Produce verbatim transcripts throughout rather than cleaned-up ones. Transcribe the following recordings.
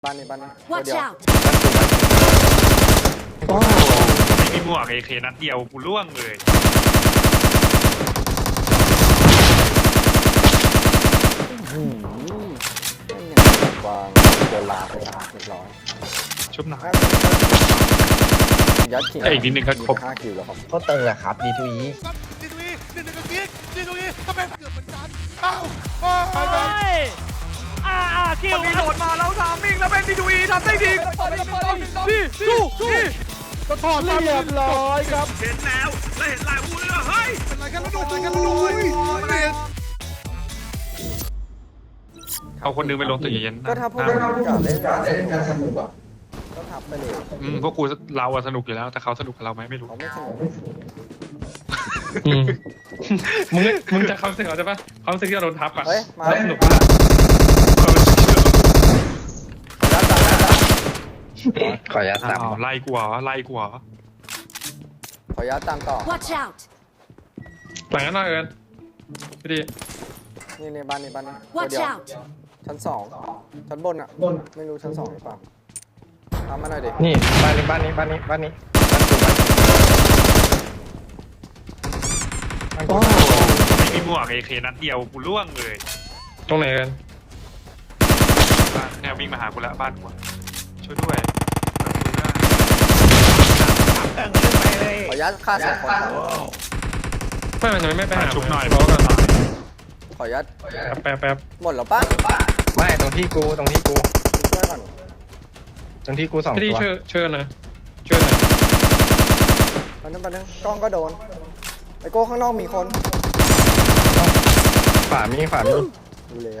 บ้านนี้บ้านนี้ Watch เดียว out! โอ้ไม่มีหมวกเอเคนัดเดียวกูล่วงเลยอืมไม่อย่างวางโดนลาไปเรียบร้อยชุบหนักยัดขิงเอ้ยอีกนิดนึงก็ครบห้าคิวแล้วครับก็ตึงแหละครับดีทูอีดีทูอีหนึ่งหนึ่งกับกิ๊กดีทูอีทำไมเกือบเหมือนกันเอ้าโอ้ยอ่าอ่าคิวมีโหลดมาแล้วทามมิ่งแล้วเป็นดีดูอีทำได้ดีดีสู้สู้ก็ถอดมาเรียบร้อยครับเห็นแล้วและเห็นลายวูเลยเฮ้ยเป็นไรกันแล้วโดนอะไรกันแล้วโดนเรียนเอาคนนึงไปลงตึกเย็นๆก็ถ้าพวกเราอยากเล่นการสนุกก็ทับไปเลยอืมพวกกูเราอะสนุกอยู่แล้วแต่เขาสนุกกับเราไหมไม่รู้เขาไม่สนุกอืมมึงมึงจะความรู้สึกเหรอใช่ปะความรู้สึกที่เราโดนทับอ่ะเฮ้ยมาสนุกมากขออนุญาตอ้าตามวไล่กูเหรอไล่กูเหรอขอยัดตามต่อ Watch out! หลังนั้นหน่อยเอิญพี่ดีนี่ในบ้านนี้บ้านนี้ Watch เดียว out! ชั้นสองชั้นบนอ่ะไม่รู้ชั้นสองหรือเปล่าทำมาหน่อยดินี่บ้านนี้บ้านนี้บ้านนี้บ้านนี้บ้านกูบ้านกูโอ้ไม่มีหมวกเอเคนัดเดียวกูล่วงเลยตรงไหนเอิญบ้านแนววิ่งมาหากูแล้วบ้านกูอะช่วยด้วยขอยัดฆ่าสองคนไม่มันยังไม่ไปหาชุบหน่อยเพราะว่าขอยัดแป๊บแป๊บหมดแล้วปะไม่ตรงที่กูตรงที่กูช่วยก่อนตรงที่กูสองพี่ดีตัวช่วยช่วยหนะช่วยหน่อยมันนึงมันนึงกล้องก็โดนไอโก้ข้างนอกมีคนฝามีฝามีดูแล้ว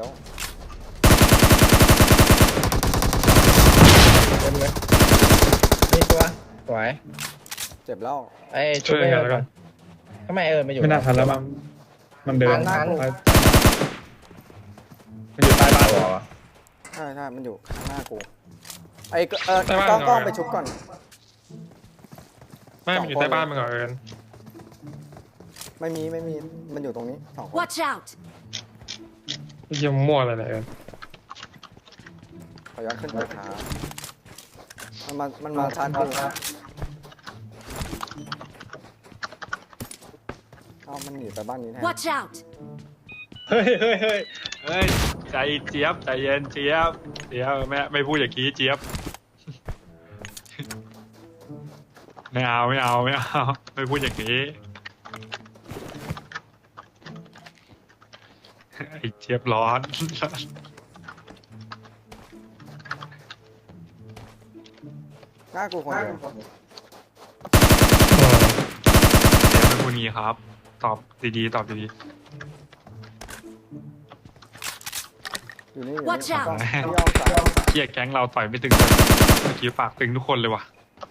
เต็มเลยนี่ตัวสวยเจ็บแล้วไอ้ช่วยกันแล้วกันทำไมเอิญมาอยู่ไม่น่าทันแล้วมั้งมันเดินทันมันอยู่ใต้บ้านตัวใช่ใช่มันอยู่ข้างหน้ากูไอเออกล้องกล้องไปชุบก่อนไม่มันอยู่ใต้บ้านมันก่อนเอิญไม่มีไม่มีมันอยู่ตรงนี้สองคน Watch out! เยี่ยมมั่วอะไรเนี่ยเอิญขอย้อนขึ้นไปขามันมามันมาชาร์จกูเอามันหนีไปบ้านนี้แทน Watch out! เฮ้ยเฮ้ยเฮ้ยเฮ้ยใจเจี๊ยบใจเย็นเจี๊ยบเจี๊ยบแม่ไม่พูดอย่างนี้เจี๊ยบไม่เอาไม่เอาไม่เอาไม่พูดอย่างนี้ไอ้เจี๊ยบร้อนหน้ากูคนเดียวเจี๊ยบเป็นคนนี้ครับ ตอบดีๆตอบดีอยู่นี่อยู่ Watch นี่ out ต้องพี่ยอมสายๆเกียแก๊งเราต่อยไม่ตึงเลยเมื่อกี้ปากตึงทุกคนเลยว่ะ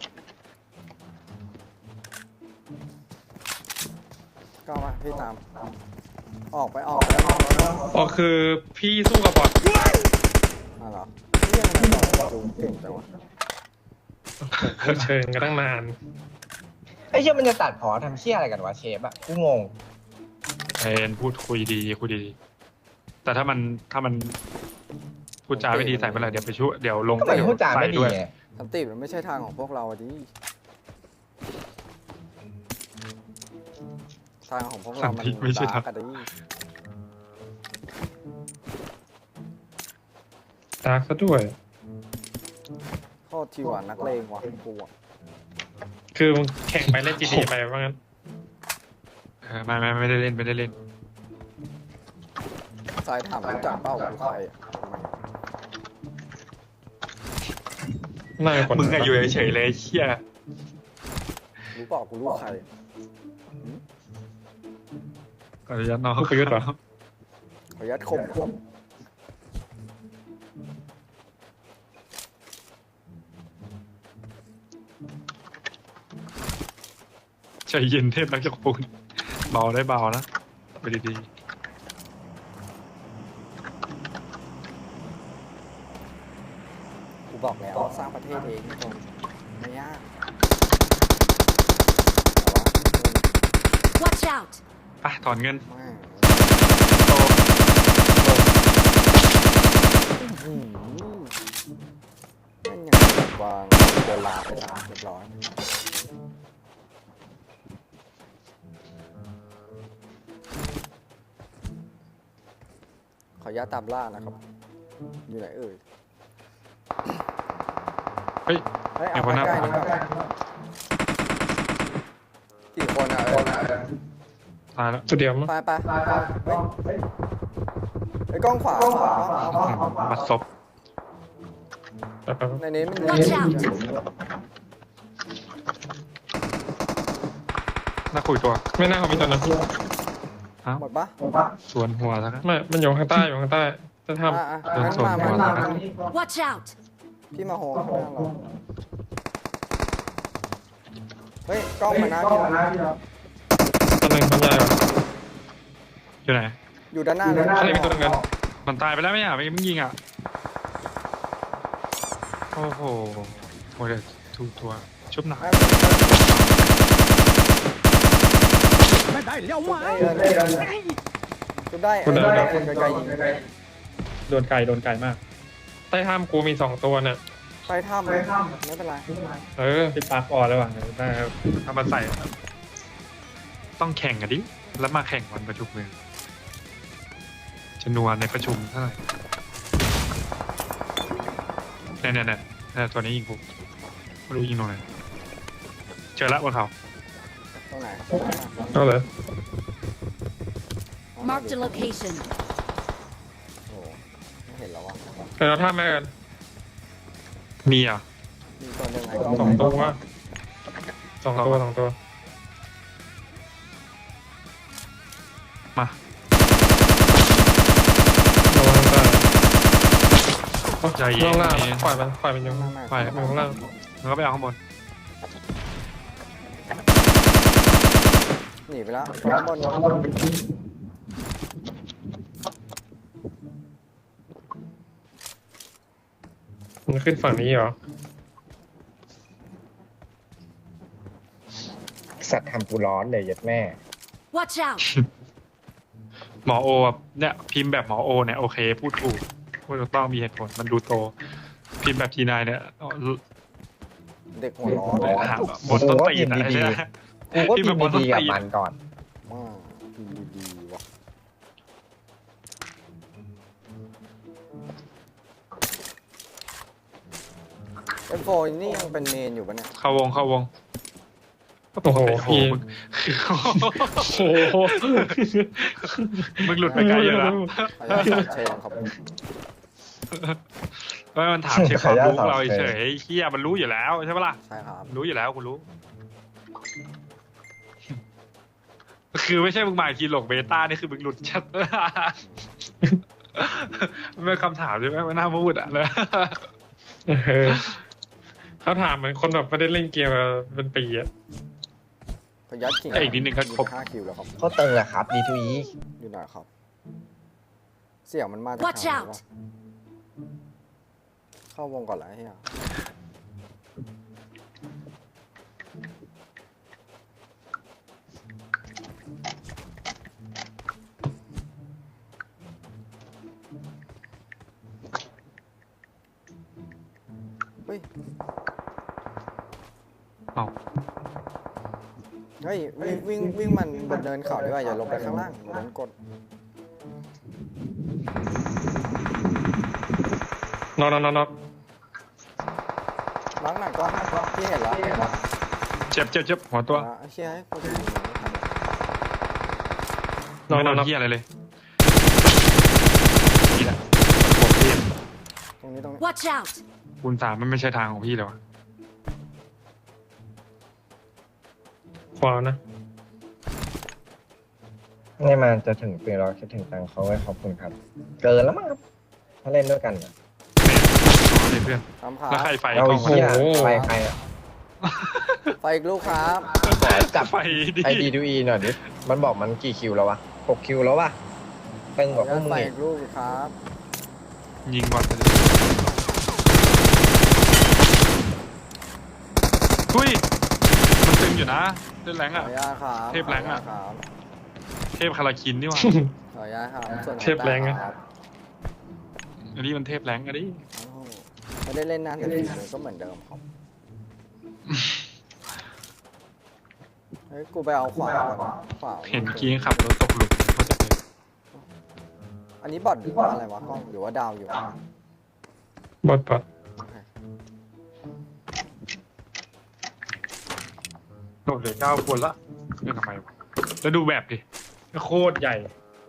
ก็มาพี่ตาม ออกไปออกไปออกไปอ๋อคือพี่สู้กับบอทมาเหรอพี่ยังไงต่อจูเก่งจังวะเชิญกันตั้งนานไอ้เชี่ยมันจะตัดพอทำเชี่ยอะไรกันวะเชฟอะกูงงเอ็นพูดคุยดีคุยดีแต่ถ้ามันถ้ามันพูดจาไม่ดีใส่เมื่อไหร่เดี๋ยวไปช่วยเดี๋ยวลงก็มันพูดจาไม่ดีด้วยไงสันติมันไม่ใช่ทางของพวกเราอะดิทางของพวกเรามันดาร์กอะดิตากซะด้วยโคตรทีว่านักเลงว่ะกูอะคือมึงแข่งไปเล่นจีดีไปว่างั้นเออไม่ไม่ไม่ได้เล่นไม่ได้เล่นสายถามรู้จักเป้ากูใครอะน่าจะคนมึงอะอยู่เฉยๆเลยเชี่ยรู้เปล่ากูรู้ใครขออนุญาตน้องผู้ประยุทธ์เหรอขอยัดคมคมใจเย็นเทพนักจักรปูนเบาได้เบานะไปดีกูบอกแล้วสร้างประเทศเองทุกคนไม่ยาก Watch out! ๆไปถอนเงินแม่งโตอื้อหือวางโดนลาไปสามเรียบร้อยขออนุญาตตามล่านะครับ อยู่ไหนเอ่ยเฮ้ยเฮ้ยเดี๋เอายวไปคนหน้าใกล้นี่ครับกี่คนอ่ะเออตายแล้วตัวเดียวมั้งไปไปไปไอ้กล้องขวาขวามาซบไปไปไปในนี้มัน Watch out น่าคุยตัวไม่น่าเขามีตัวนั้นหมดปะสวนหัวแล้วกันไม่มันอยู่ข้างใต้อยู่ข้างใต้จะทอ่ะอ่ะโดนงั้นสวนมาหัวมาแล้วมา Watch out! พี่มาโฮข้างหน้าเราเฮ้ยกล้องมานะพี่นะำตัวหนึ่งตัวใหญ่กว่าอยู่ไหนอยู่ด้านหน้าเลยทะเลมีตัวหนึงกันมันตายไปแล้วไหมอ่ะไม่มึงยิงอ่ะ โอ้โหโอ้ยเดี๋ยวถูกตัวชุบหนักไม่ได้เลี้ยวมาจุดได้เออคนไกลๆยิงโดนไก่โดนไก่มากใต้ถ้ำกูมีสองตัวเนี่ยไปถ้ำไม่เป็นไรเออติดปากอ่อนเลยว่ะได้ครับเอามาใส่ ต้องแข่งกันดิ แล้วมาแข่งวันประชุมเลยจำนวนในประชุมเท่าไหร่เนี่ยเนี่ยเนี่ยเนี่ยตัวนี้ยิงกูไม่รู้ยิงตรงไหนเจอละบนเขาตรงไหนเอาเลย Marked a location. โอ้ไม่เห็นแล้ววะเดี๋ยวเราท่าแม่กันมีอ่ะมีตัวหนึ่งไงสองตัวสองตัวสองตัวมาโดนข้างใต้ใจเย็นล่างล่างปล่อยมันปล่อยมันอยู่ไม่ไม่ปล่อยอยู่ข้างล่างแล้วก็ไปเอาข้างบนหนีไปแล้วข้างบนข้างบนมันขึ้นฝั่งนี้เหรอสัตว์ทำกูร้อนเลยยัดแม่ Watch out! หมอโออะเนี่ยพิมพ์แบบหมอโอเนี่ยโอเค พูดถูกพูดถูกต้องมีเหตุผลมันดูโต พิมพ์แบบทีนายเนี่ยเด็กหัวร้อนเลยหาบนต้นตีนอะโอ้โหพิมพ์ดีๆใช่ไหมกูก็พิพิมมพ์แบบบนพ์ต้นดีๆกับตีนมันก่อนมากดีดีๆว่ะเอ็มโฟนี่ยังเป็นเมนอยู่ปะเนี่ยเข้าวงเข้าวงโอ้โหโอ้โหพี่มึงโอ้โหมึงหลุดไปไกลเยอะแล้วขออนุญาตเชนครับไม่มันถามเช็คความรู้ขออนุญาตเราสอบเฉเชิญยๆเฮียมันรู้อยู่แล้วใช่ปะล่ะใช่ครับรู้อยู่แล้วคุณรู้ คือไม่ใช่มึงหมายทีหลงเบต้านี่คือมึงหลุดชัด มันเป็นคำถามใช่ไหมไม่น่าพูดอ่ะเลยเออเขาถามเหมือนคนแบบไม่ได้เล่นเกมมาเป็นปีอะขออนุญาตขิงแต่อีกนิดนึงก็ครบห้าคิวแล้วครับเขาตึงแหละครับ ดีทูอีอยู่ไหนครับ เสียงมันมาจาก Watch ทางไหน out วะเข้าวงก่อนแล้วเฮียเฮ้ยเอาเฮ้ยวิ่งวิ่งวิ่งมันบนเนินเขาดีกว่าอย่าลงไปข้างล่างโดนกดนอนนอนนอนนอนล้างหนักก็พี่เห็นแล้วเจ็บเจ็บเจ็บหัวตัวอ่ะเชี่ยให้กูดูนอนไม่นโดอนนนอนเฮียอะไรเลยนี่แหละผมพี่ตรงนี้ตรงนี้ Watch out! คูณสามมันไม่ใช่ทางของพี่เลยวะขวานะนี่มันจะถึงปีเราคิดถึงตังเขาไว้ขอบคุณครับ เกินแล้วมั้งครับ ถ้าเล่นด้วยกันอะเนี่ยเพื่อนทำขาแล้วใครไฟเอากล้ไอ้องเหี้ยโอ้โหไปใครอะไปอีกลูกครับขอจับไฟดิไอดีทูอีหน่อยดิ มันบอกมันกี่คิวแล้ววะหกคิวแล้ววะตึงกว่าพวกมึงไปอีอีกกลูกครับยิงบอลไปเลยอุ้ยมันตึงอยู่นะเล่นแรงขออ่ะอนุญาตครับเทพแรงอะขนุญาตครับเทพคาราคินนี่หว่าขออนุญาตครับส่วนเทพแรงไงครับอันนี้มันเทพแรงอะดิโอ้โหไม่ได้เล่นนานแต่ฝีมือก็เหมือนเดิมครับเฮ้ยกูไปเอาขวาก่อนขวาเห็นกี้ขับรถตกหลุมเขาจะเป็นอันนี้บอทหรือว่าอะไรวะกล้องหรือว่าดาวอยู่บอดบอดโดดเหลือเก้าคนละเรื่องทำไมวะแล้วดูแบบดิโคตรใหญ่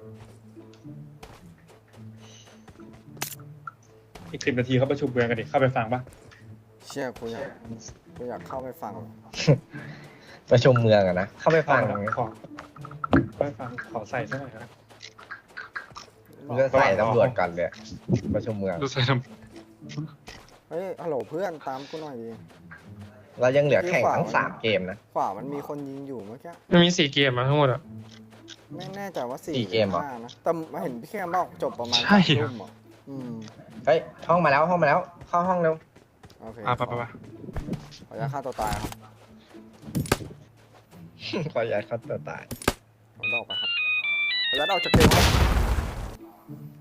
อีกสิบนาทีเขาประชุมเมืองกันดิเข้าไปฟังปะเชี่ยกูอยากกูอยากเข้าไปฟังประชุมเมืองอะนะ เข้าไปฟังขอเข้าไปฟังขอใส่ซะหน่อยครับเรื่องใส่ตำรวจก่อนเลยประชุมเมืองดูใส่ทเฮ้ยฮัลโหลเพื่อนตามกูหน่อยดิเรายังเหลือแข่งทั้งสามเกมนะขวามันมีคนยิงอยู่เมื่อกี้มันมีสี่เกมมาทั้งหมดอ่ะไม่แน่ใจว่าสี่สี่เกมเหรอห้านะแต่มาเห็นพี่แคมบอกจบประมาณใช่สามเหรอทุ่มเหรออืมเฮ้ยห้องมาแล้วห้องมาแล้ว เข้าห้องเร็วโอเคอ่ะไปไปไปขออนุญาตฆ่าตัวตายครับขอย้ายเข้าตัวตายผมจะออกไปครับขออนุญาตออกจากเกมครับ